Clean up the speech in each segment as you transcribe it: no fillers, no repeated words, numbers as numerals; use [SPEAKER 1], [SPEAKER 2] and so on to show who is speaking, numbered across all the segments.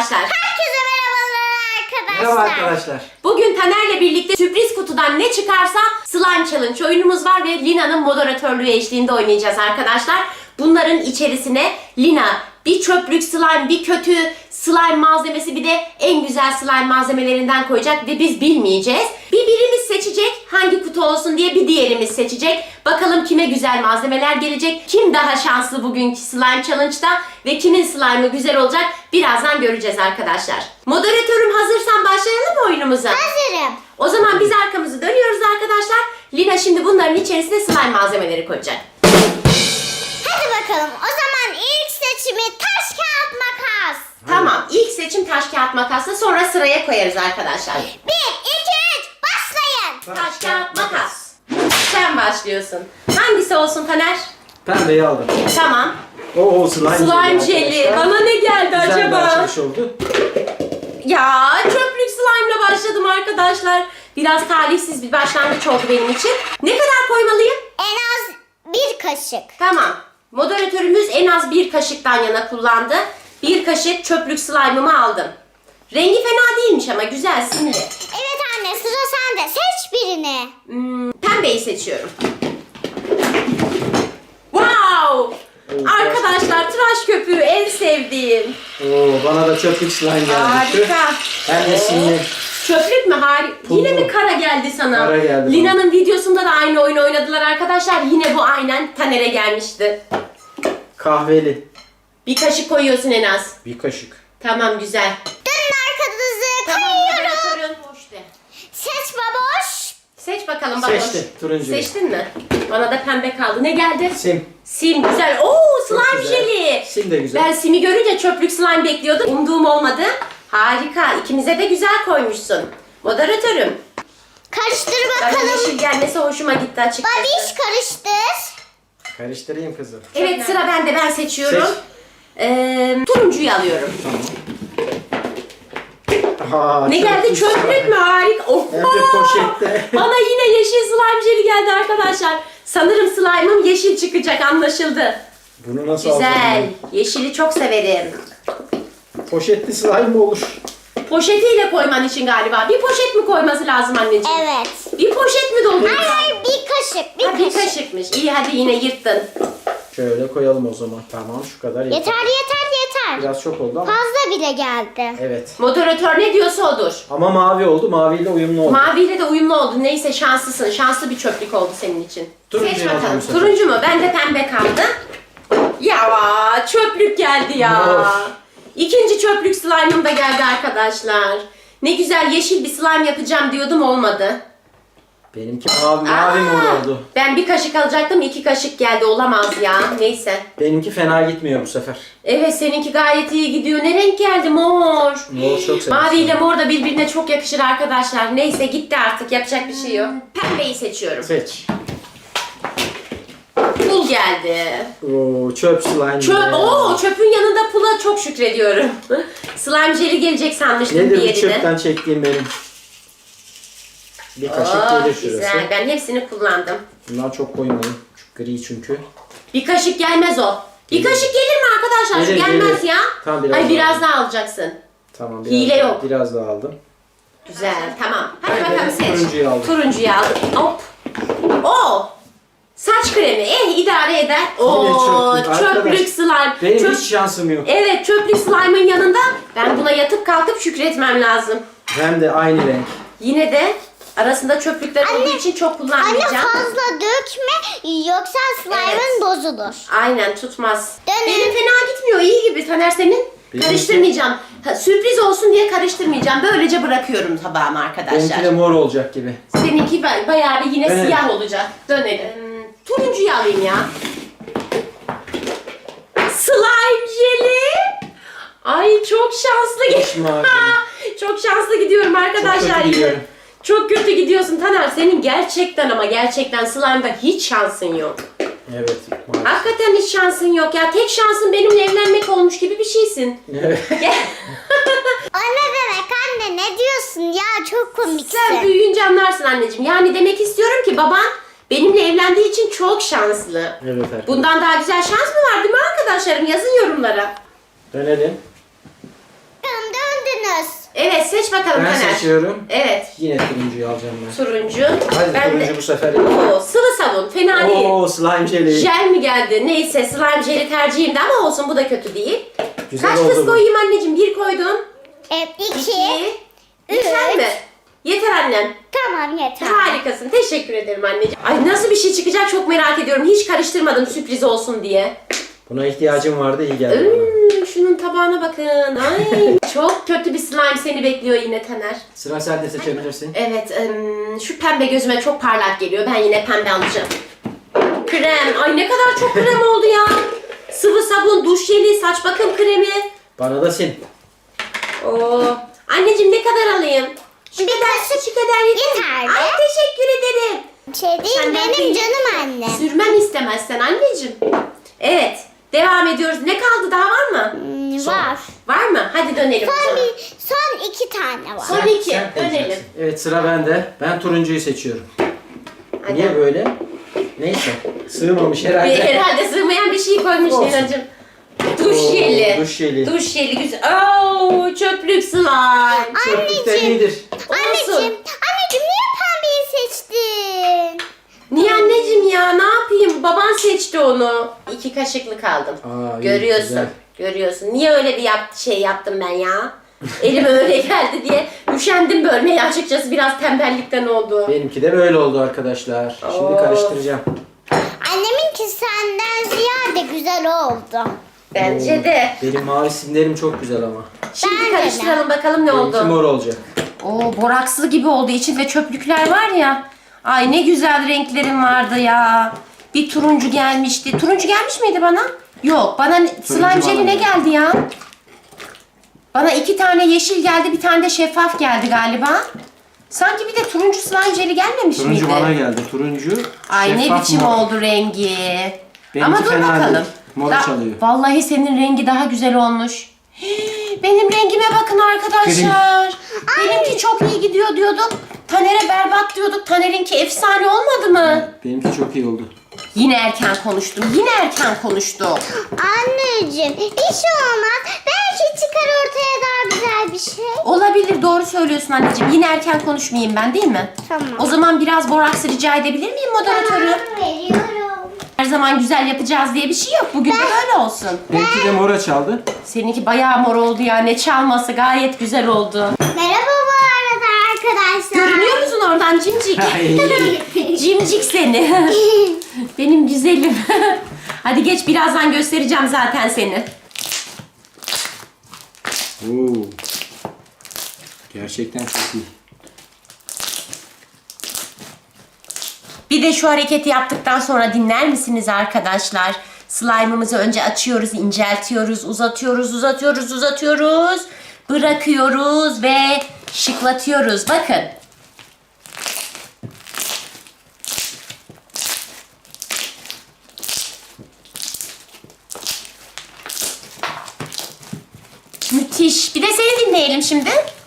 [SPEAKER 1] arkadaşlar.
[SPEAKER 2] Herkese merhabalar arkadaşlar.
[SPEAKER 3] Merhaba arkadaşlar.
[SPEAKER 1] Bugün Taner'le birlikte sürpriz kutudan ne çıkarsa Slime Challenge oyunumuz var ve Lina'nın moderatörlüğü eşliğinde oynayacağız arkadaşlar. Bunların içerisine Lina bir çöplük slime, bir kötü slime malzemesi, bir de en güzel slime malzemelerinden koyacak ve biz bilmeyeceğiz. Birimiz seçecek hangi kutu olsun diye, bir diğerimiz seçecek. Bakalım kime güzel malzemeler gelecek, kim daha şanslı bugünkü Slime Challenge'da ve kimin slime'ı güzel olacak birazdan göreceğiz arkadaşlar. Moderatörüm, hazırsan başlayalım mı oyunumuza?
[SPEAKER 2] Hazırım.
[SPEAKER 1] O zaman biz arkamızı dönüyoruz arkadaşlar. Lina şimdi bunların içerisine slime malzemeleri koyacak.
[SPEAKER 2] Hadi bakalım. O zaman ilk seçimi taş kağıt makas.
[SPEAKER 1] Tamam, ilk seçim taş kağıt makasla, sonra sıraya koyarız arkadaşlar.
[SPEAKER 2] 1, 2, 3 başlayın.
[SPEAKER 1] Taş kağıt makas. Sen başlıyorsun. Hangisi olsun Taner?
[SPEAKER 3] Pembeyi aldım.
[SPEAKER 1] Tamam.
[SPEAKER 3] Oo, slime
[SPEAKER 1] Jeli.
[SPEAKER 3] arkadaşlar.
[SPEAKER 1] Bana ne geldi
[SPEAKER 3] Güzel bir
[SPEAKER 1] acaba?
[SPEAKER 3] açılış oldu.
[SPEAKER 1] Ya çöplük slime'la başladım arkadaşlar. Biraz talihsiz bir başlangıç oldu benim için. Ne kadar koymalıyım?
[SPEAKER 2] En az 1 kaşık.
[SPEAKER 1] Tamam. Moderatörümüz en az 1 kaşıktan yana kullandı. 1 kaşık çöplük slime'ımı aldım. Rengi fena değilmiş ama güzel, simli.
[SPEAKER 2] Evet anne, sıra sende. Seç birini.
[SPEAKER 1] Pembeyi seçiyorum. Wow! Arkadaşlar, tıraş köpüğü en sevdiğim.
[SPEAKER 3] Oo, bana da çöplük slime geldi.
[SPEAKER 1] Harika.
[SPEAKER 3] Hem de simli.
[SPEAKER 1] Çöplük mü? Harika.
[SPEAKER 3] Pullu.
[SPEAKER 1] Yine mi kara geldi sana?
[SPEAKER 3] Kara geldi
[SPEAKER 1] Lina'nın videosunda da aynı oyunu oynadılar arkadaşlar. Yine bu aynen Taner'e gelmişti.
[SPEAKER 3] Kahveli.
[SPEAKER 1] Bir kaşık koyuyorsun en az.
[SPEAKER 3] Bir kaşık.
[SPEAKER 1] Tamam, güzel.
[SPEAKER 2] Dönün arkanızı
[SPEAKER 1] Tamam,
[SPEAKER 2] kayıyorum.
[SPEAKER 1] moderatörün hoş de.
[SPEAKER 2] Seç baboş.
[SPEAKER 1] Seç bakalım bakalım.
[SPEAKER 3] Seçtim, turuncuyu.
[SPEAKER 1] Seçtin mi? Bana da pembe kaldı. Ne geldi?
[SPEAKER 3] Sim.
[SPEAKER 1] Sim, güzel. Oo,
[SPEAKER 3] Çok
[SPEAKER 1] slime
[SPEAKER 3] güzel.
[SPEAKER 1] jeli.
[SPEAKER 3] Sim de güzel.
[SPEAKER 1] Ben simi görünce çöplük slime bekliyordum. Umduğum olmadı. Harika. İkimize de güzel koymuşsun. Moderatörüm.
[SPEAKER 2] Karıştır
[SPEAKER 1] Bana
[SPEAKER 2] bakalım.
[SPEAKER 1] yeşil gelmesi hoşuma gitti açıkçası.
[SPEAKER 2] Babiş karıştır.
[SPEAKER 3] Karıştırayım kızım.
[SPEAKER 1] Evet, sıra bende. Ben seçiyorum.
[SPEAKER 3] Seç.
[SPEAKER 1] Turuncuyu alıyorum.
[SPEAKER 3] Aa,
[SPEAKER 1] Ne geldi?
[SPEAKER 3] çöplük
[SPEAKER 1] Çöplük
[SPEAKER 3] slime.
[SPEAKER 1] mü? Harika.
[SPEAKER 3] Hem de
[SPEAKER 1] Oha!
[SPEAKER 3] poşette.
[SPEAKER 1] Bana yine yeşil slime jeli geldi arkadaşlar. Sanırım slime'ım yeşil çıkacak, anlaşıldı.
[SPEAKER 3] Bunu nasıl
[SPEAKER 1] Güzel.
[SPEAKER 3] alacağım
[SPEAKER 1] Yeşili çok severim.
[SPEAKER 3] ben? Poşetli slime mi olur?
[SPEAKER 1] Poşetiyle koyman için galiba. Bir poşet mi koyması lazım anneciğim?
[SPEAKER 2] Evet.
[SPEAKER 1] Bir poşet mi dolduruyorsun?
[SPEAKER 2] Hayır hayır, bir kaşık. Bir
[SPEAKER 1] Ha, bir
[SPEAKER 2] kaşık.
[SPEAKER 1] kaşıkmış. İyi, hadi yine yırttın.
[SPEAKER 3] Şöyle koyalım o zaman. Tamam, şu kadar yeter.
[SPEAKER 2] Yeter yeter yeter.
[SPEAKER 3] Biraz çok oldu ama.
[SPEAKER 2] Fazla bile geldi.
[SPEAKER 3] Evet.
[SPEAKER 1] Moderatör ne diyorsa odur.
[SPEAKER 3] Ama mavi oldu. Maviyle uyumlu oldu.
[SPEAKER 1] Maviyle de uyumlu oldu. Neyse, şanslısın. Şanslı bir çöplük oldu senin için.
[SPEAKER 3] Turuncuyu
[SPEAKER 1] Seç
[SPEAKER 3] alacağım
[SPEAKER 1] bakalım.
[SPEAKER 3] bu sefer.
[SPEAKER 1] Turuncu mu? Ben de pembe kaldı. Ya çöplük geldi ya.
[SPEAKER 3] Of.
[SPEAKER 1] İkinci çöplük slime'ım da geldi arkadaşlar. Ne güzel yeşil bir slime yapacağım diyordum, olmadı.
[SPEAKER 3] Benimki mavi mor oldu.
[SPEAKER 1] Ben bir kaşık alacaktım, 2 kaşık geldi, olamaz ya. Neyse.
[SPEAKER 3] Benimki fena gitmiyor bu sefer.
[SPEAKER 1] Evet, seninki gayet iyi gidiyor. Ne renk geldi? Mor.
[SPEAKER 3] Mor çok severim.
[SPEAKER 1] Mavi ile mor da birbirine çok yakışır arkadaşlar. Neyse, gitti artık, yapacak bir şey yok. Pembeyi seçiyorum.
[SPEAKER 3] Seç.
[SPEAKER 1] Pul geldi.
[SPEAKER 3] Oo, çöp slime.
[SPEAKER 1] Çöpün yanında pula çok şükrediyorum. Slime jeli gelecek sanmıştım
[SPEAKER 3] Nedir bu
[SPEAKER 1] diğerine.
[SPEAKER 3] çöpten çektiğim benim? Bir kaşık gelir şurası.
[SPEAKER 1] Güzel, ben hepsini kullandım.
[SPEAKER 3] Bundan çok koymayın. Çok gri çünkü.
[SPEAKER 1] Bir kaşık gelmez o. Bir
[SPEAKER 3] Gelir.
[SPEAKER 1] kaşık gelir mi arkadaşlar?
[SPEAKER 3] Gelir,
[SPEAKER 1] Gelmez
[SPEAKER 3] gelir.
[SPEAKER 1] ya.
[SPEAKER 3] Tamam, biraz
[SPEAKER 1] Ay,
[SPEAKER 3] daha
[SPEAKER 1] biraz
[SPEAKER 3] al.
[SPEAKER 1] daha alacaksın.
[SPEAKER 3] Tamam.
[SPEAKER 1] Hile
[SPEAKER 3] daha,
[SPEAKER 1] yok.
[SPEAKER 3] Biraz daha aldım.
[SPEAKER 1] Güzel, tamam. Hadi
[SPEAKER 3] Ben
[SPEAKER 1] bakalım,
[SPEAKER 3] de
[SPEAKER 1] seç.
[SPEAKER 3] turuncuyu aldım.
[SPEAKER 1] Turuncuyu aldım. Hop. Oo. Saç kremi. İdare eder.
[SPEAKER 3] çöplük.
[SPEAKER 1] Çöplük
[SPEAKER 3] Arkadaş,
[SPEAKER 1] slime.
[SPEAKER 3] Benim hiç şansım yok.
[SPEAKER 1] Evet, çöplük slime'ın yanında ben buna yatıp kalkıp şükretmem lazım.
[SPEAKER 3] Hem de aynı renk.
[SPEAKER 1] Yine de arasında çöplükler olduğu için çok
[SPEAKER 2] Anne
[SPEAKER 1] kullanmayacağım.
[SPEAKER 2] fazla dökme yoksa slime'ın
[SPEAKER 1] Evet.
[SPEAKER 2] bozulur.
[SPEAKER 1] Aynen, tutmaz.
[SPEAKER 2] Dönün.
[SPEAKER 1] Benim fena gitmiyor, iyi gibi. Taner, senin?
[SPEAKER 3] Benimki-
[SPEAKER 1] Karıştırmayacağım. Sürpriz olsun diye karıştırmayacağım. Böylece bırakıyorum tabağıma arkadaşlar.
[SPEAKER 3] Benimki de mor olacak gibi.
[SPEAKER 1] Seninki bayağı bir yine
[SPEAKER 3] Evet.
[SPEAKER 1] siyah olacak. Dönelim. Turuncuyu alayım ya. Slime jeli. Ay, çok şanslı
[SPEAKER 3] Hiç mavi.
[SPEAKER 1] Çok şanslı gidiyorum arkadaşlar.
[SPEAKER 3] Çok kötü
[SPEAKER 1] yine.
[SPEAKER 3] gidiyorum.
[SPEAKER 1] Çok kötü gidiyorsun Taner. Senin gerçekten ama gerçekten slime'da hiç şansın yok.
[SPEAKER 3] Evet. Mavi.
[SPEAKER 1] Hakikaten hiç şansın yok ya. Tek şansın benimle evlenmek olmuş gibi bir şeysin.
[SPEAKER 3] Evet.
[SPEAKER 2] O ne demek anne, ne diyorsun ya, çok komiksin.
[SPEAKER 1] Sen büyüyünce anlarsın anneciğim. Yani demek istiyorum ki baban benimle evlendiği için çok şanslı.
[SPEAKER 3] Evet arkadaşlar.
[SPEAKER 1] Bundan daha güzel şans mı var değil mi arkadaşlarım? Yazın yorumlara.
[SPEAKER 3] Dönelim.
[SPEAKER 2] Bakalım,
[SPEAKER 1] Evet seç bakalım
[SPEAKER 3] Ben
[SPEAKER 1] Taner.
[SPEAKER 3] seçiyorum.
[SPEAKER 1] Evet.
[SPEAKER 3] Yine turuncuyu alacağım ben.
[SPEAKER 1] Turuncu.
[SPEAKER 3] Hadi
[SPEAKER 1] Ben
[SPEAKER 3] turuncu
[SPEAKER 1] de.
[SPEAKER 3] bu sefer.
[SPEAKER 1] Oo, sıvı sabun. Fena değil.
[SPEAKER 3] Oo slime jelly.
[SPEAKER 1] Jel mi geldi? Neyse slime jeli tercihimdi ama olsun bu da kötü değil.
[SPEAKER 3] Güzel
[SPEAKER 1] Kaç
[SPEAKER 3] oldu
[SPEAKER 1] kız
[SPEAKER 3] bu.
[SPEAKER 1] koyayım anneciğim? 1 koydun.
[SPEAKER 2] Evet 2.
[SPEAKER 1] 2. Yeter mi? Yeter annem.
[SPEAKER 2] Tamam yeter.
[SPEAKER 1] Harikasın. Teşekkür ederim anneciğim. Ay nasıl bir şey çıkacak çok merak ediyorum. Hiç karıştırmadım sürpriz olsun diye.
[SPEAKER 3] Buna ihtiyacım vardı, iyi geldi bana.
[SPEAKER 1] Şunun tabağına bakın. Ay çok kötü bir slime seni bekliyor yine Taner.
[SPEAKER 3] Sıra sen de seçebilirsin.
[SPEAKER 1] Evet, şu pembe gözüme çok parlak geliyor. Ben yine pembe alacağım. Krem. Ay ne kadar çok krem oldu ya. Sıvı sabun, duş jeli, saç bakım kremi.
[SPEAKER 3] Bana da sil.
[SPEAKER 1] Oo. Anneciğim ne kadar alayım? Şu kadar yeter.
[SPEAKER 2] Yeterli.
[SPEAKER 1] Ay teşekkür ederim.
[SPEAKER 2] Şey değil
[SPEAKER 1] Senden
[SPEAKER 2] benim
[SPEAKER 1] değil.
[SPEAKER 2] canım anne.
[SPEAKER 1] Sürmem istemezsen anneciğim. Evet. Devam ediyoruz. Ne kaldı? Daha var mı?
[SPEAKER 2] Var.
[SPEAKER 1] Var mı? Hadi dönelim. o
[SPEAKER 2] Son,
[SPEAKER 1] zaman.
[SPEAKER 2] son 2 tane var.
[SPEAKER 1] Son iki.
[SPEAKER 3] Sen
[SPEAKER 1] Dönelim.
[SPEAKER 3] seçeceksin. Evet sıra bende. Ben turuncuyu seçiyorum.
[SPEAKER 1] Hadi.
[SPEAKER 3] Niye böyle? Neyse. Sığmamış herhalde.
[SPEAKER 1] Herhalde sığmayan bir şey koymuş
[SPEAKER 3] Olsun.
[SPEAKER 1] Lina'cığım. Duş
[SPEAKER 3] Oo,
[SPEAKER 1] jeli.
[SPEAKER 3] duş jeli.
[SPEAKER 1] Duş jeli güzel. Oo, çöplük slime.
[SPEAKER 3] Çöplükten iyidir.
[SPEAKER 2] Anneciğim niye pembeyi seçtin?
[SPEAKER 1] Niye anneciğim ya? Ne yapayım? Baban seçti onu. 2 kaşıklık aldım.
[SPEAKER 3] Aa, iyi,
[SPEAKER 1] Görüyorsun.
[SPEAKER 3] güzel.
[SPEAKER 1] Görüyorsun. Niye öyle bir şey yaptım ben ya? Elime öyle geldi diye üşendim bölmeye açıkçası, biraz tembellikten oldu.
[SPEAKER 3] Benimki de böyle oldu arkadaşlar. Şimdi
[SPEAKER 1] Oo.
[SPEAKER 3] karıştıracağım.
[SPEAKER 2] Anneminki senden ziyade güzel oldu.
[SPEAKER 1] Bence de.
[SPEAKER 3] Benim mavi simlerim çok güzel ama.
[SPEAKER 1] Şimdi
[SPEAKER 2] Bence de.
[SPEAKER 1] karıştıralım bakalım ne
[SPEAKER 3] Benimki
[SPEAKER 1] oldu.
[SPEAKER 3] mor olacak.
[SPEAKER 1] Oo, borakslı gibi oldu. İçinde çöplükler var ya. Ay ne güzel renklerim vardı ya. Bir turuncu gelmişti. Turuncu gelmiş miydi bana? Yok. Bana slime
[SPEAKER 3] bana
[SPEAKER 1] jeli ne
[SPEAKER 3] geldi.
[SPEAKER 1] geldi ya? Bana 2 tane yeşil geldi. Bir tane de şeffaf geldi galiba. Sanki bir de turuncu slime jeli gelmemiş
[SPEAKER 3] Turuncu
[SPEAKER 1] miydi?
[SPEAKER 3] bana geldi. Turuncu.
[SPEAKER 1] Ay ne
[SPEAKER 3] şeffaf
[SPEAKER 1] biçim
[SPEAKER 3] mor.
[SPEAKER 1] oldu rengi.
[SPEAKER 3] Benimki
[SPEAKER 1] Ama dur
[SPEAKER 3] fena
[SPEAKER 1] bakalım.
[SPEAKER 3] değil. Moru çalıyor.
[SPEAKER 1] Vallahi senin rengi daha güzel olmuş. Benim rengime bakın arkadaşlar. Benimki çok iyi gidiyor diyorduk. Taner'e berbat diyorduk. Taner'inki efsane olmadı mı?
[SPEAKER 3] Benimki çok iyi oldu.
[SPEAKER 1] Yine erken konuştum. Yine erken konuştum.
[SPEAKER 2] Anneciğim bir şey olmaz. Belki çıkar ortaya daha güzel bir şey.
[SPEAKER 1] Olabilir, doğru söylüyorsun anneciğim. Yine erken konuşmayayım ben, değil mi?
[SPEAKER 2] Tamam.
[SPEAKER 1] O zaman biraz boraks rica edebilir miyim moderatörü?
[SPEAKER 2] Veriyorum.
[SPEAKER 1] Her zaman güzel yapacağız diye bir şey yok. Bugün de böyle olsun.
[SPEAKER 3] Benimki de mora çaldı.
[SPEAKER 1] Seninki bayağı mor oldu ya. Ne çalması, gayet güzel oldu.
[SPEAKER 2] Merhaba bu arada arkadaşlar.
[SPEAKER 1] Görünüyor musun oradan cimcik?
[SPEAKER 3] Ay.
[SPEAKER 1] Cimcik seni. Benim güzelim. Hadi geç, birazdan göstereceğim zaten seni.
[SPEAKER 3] Oo. Gerçekten çok iyi.
[SPEAKER 1] Bir de şu hareketi yaptıktan sonra dinler misiniz arkadaşlar? Slime'ımızı önce açıyoruz, inceltiyoruz, uzatıyoruz. Bırakıyoruz ve şıklatıyoruz. Bakın. Müthiş. Bir de seni dinleyelim şimdi.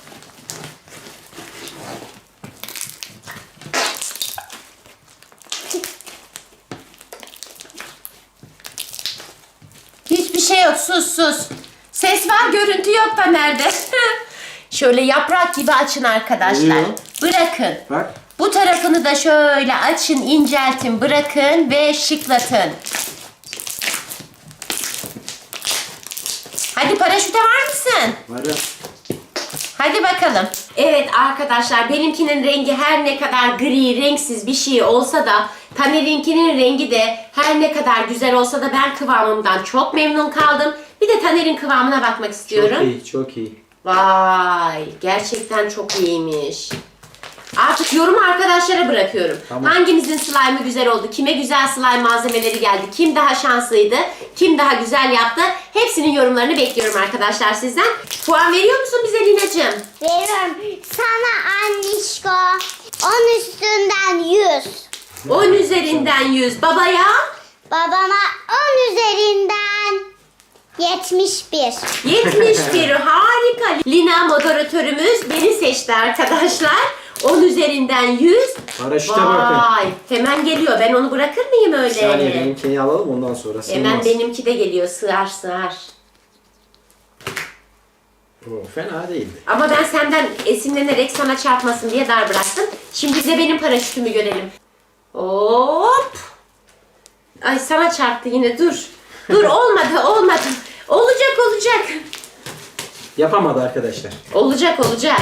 [SPEAKER 1] Hiçbir şey yok. Sus. Ses var, görüntü yok da nerede? Şöyle yaprak gibi açın arkadaşlar.
[SPEAKER 3] Oluyor.
[SPEAKER 1] Bırakın.
[SPEAKER 3] Bak.
[SPEAKER 1] Bu tarafını da şöyle açın, inceltin, bırakın ve şıklatın. Hadi paraşüte var mısın?
[SPEAKER 3] Varım.
[SPEAKER 1] Hadi bakalım. Evet arkadaşlar, benimkinin rengi her ne kadar gri, renksiz bir şey olsa da Taner'inkinin rengi de her ne kadar güzel olsa da ben kıvamımdan çok memnun kaldım. Bir de Taner'in kıvamına bakmak istiyorum.
[SPEAKER 3] Çok iyi, çok iyi.
[SPEAKER 1] Vay, gerçekten çok iyiymiş. Artık yorumu arkadaşlara bırakıyorum.
[SPEAKER 3] Tamam.
[SPEAKER 1] Hangimizin slime'ı güzel oldu? Kime güzel slime malzemeleri geldi? Kim daha şanslıydı? Kim daha güzel yaptı? Hepsinin yorumlarını bekliyorum arkadaşlar sizden. Puan veriyor musun bize Lina'cığım?
[SPEAKER 2] Veriyorum. Sana annişko 10 üstünden 100.
[SPEAKER 1] 10 üzerinden 100. Babaya?
[SPEAKER 2] Babama 10 üzerinden 71.
[SPEAKER 1] 71. Harika. Lina moderatörümüz beni seçti arkadaşlar. 10 üzerinden 100.
[SPEAKER 3] Paraşüte bakın.
[SPEAKER 1] Vay. Hemen geliyor. Ben onu bırakır mıyım öyle?
[SPEAKER 3] Bir saniye benimkini alalım ondan sonra.
[SPEAKER 1] Hemen
[SPEAKER 3] Sığmaz.
[SPEAKER 1] benimki de geliyor. Sığar.
[SPEAKER 3] O fena değildi.
[SPEAKER 1] Ama ben senden esinlenerek sana çarpmasın diye dar bıraktım. Şimdi de benim paraşütümü görelim. Hop. Ay sana çarptı yine, dur. Dur olmadı. Olacak.
[SPEAKER 3] Yapamadı arkadaşlar.
[SPEAKER 1] Olacak.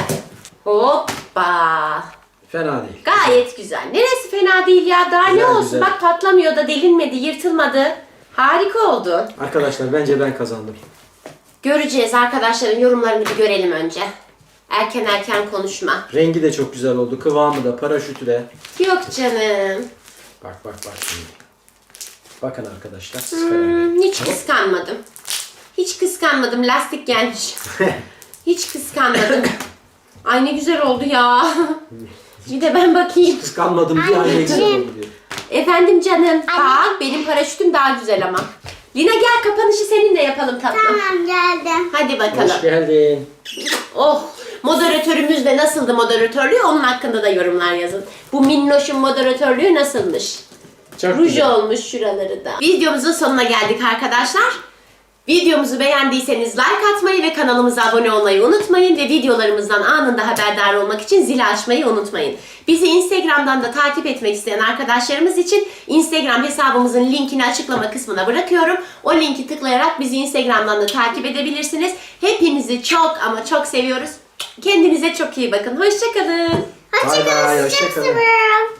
[SPEAKER 1] Hoppa.
[SPEAKER 3] Fena değil.
[SPEAKER 1] Gayet güzel. Neresi fena değil ya. Daha ne
[SPEAKER 3] Güzel,
[SPEAKER 1] olsun.
[SPEAKER 3] güzel.
[SPEAKER 1] Bak patlamıyor da, delinmedi, yırtılmadı. Harika oldu.
[SPEAKER 3] Arkadaşlar bence ben kazandım.
[SPEAKER 1] Göreceğiz, arkadaşların yorumlarını bir görelim önce. Erken konuşma.
[SPEAKER 3] Rengi de çok güzel oldu. Kıvamı da, paraşütü de.
[SPEAKER 1] Yok canım.
[SPEAKER 3] Bak şimdi. Bakın arkadaşlar. Siz karar verin.
[SPEAKER 1] Hiç kıskanmadım. Lastik gelmiş. Hiç kıskanmadım. Ay ne güzel oldu ya. Bir de ben bakayım.
[SPEAKER 3] Kıskanmadım diye aynı güzel oldu diyor.
[SPEAKER 1] Efendim canım. Bak benim paraşütüm daha güzel ama. Lina gel, kapanışı seninle yapalım tatlım.
[SPEAKER 2] Tamam, geldim.
[SPEAKER 1] Hadi bakalım.
[SPEAKER 3] Hoş geldin.
[SPEAKER 1] Oh, moderatörümüz de nasıldı moderatörlüğü, onun hakkında da yorumlar yazın. Bu minnoşun moderatörlüğü nasılmış?
[SPEAKER 3] Çok
[SPEAKER 1] Ruj
[SPEAKER 3] güzel.
[SPEAKER 1] olmuş şuraları da. Videomuzun sonuna geldik arkadaşlar. Videomuzu beğendiyseniz like atmayı ve kanalımıza abone olmayı unutmayın. Ve videolarımızdan anında haberdar olmak için zili açmayı unutmayın. Bizi Instagram'dan da takip etmek isteyen arkadaşlarımız için Instagram hesabımızın linkini açıklama kısmına bırakıyorum. O linki tıklayarak bizi Instagram'dan da takip edebilirsiniz. Hepinizi çok ama çok seviyoruz. Kendinize çok iyi bakın. Hoşça kalın.
[SPEAKER 3] Bay bay,
[SPEAKER 2] Hoşçakalın.
[SPEAKER 3] hoşça
[SPEAKER 2] Çok
[SPEAKER 3] kalın.
[SPEAKER 2] seviyorum.